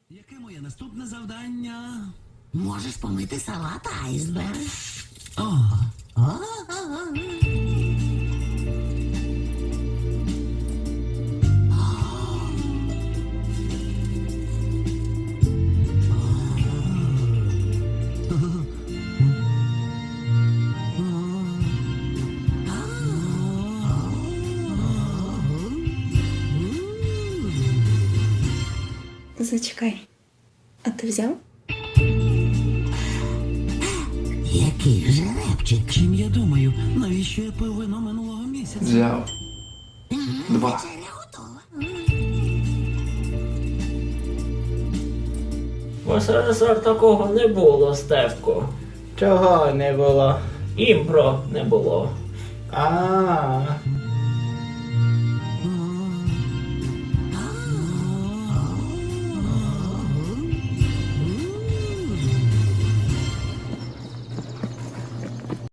Яке моє наступне завдання? Можеш помити салат айсберг. Зачекай. А ти взяв? Який жеребчик. Чим я думаю, навіщо я пив вино минулого місяця? Взяв. 2. Вечеря готова. В СРСР такого не було, Стевко. Чого не було? Імпро не було. А,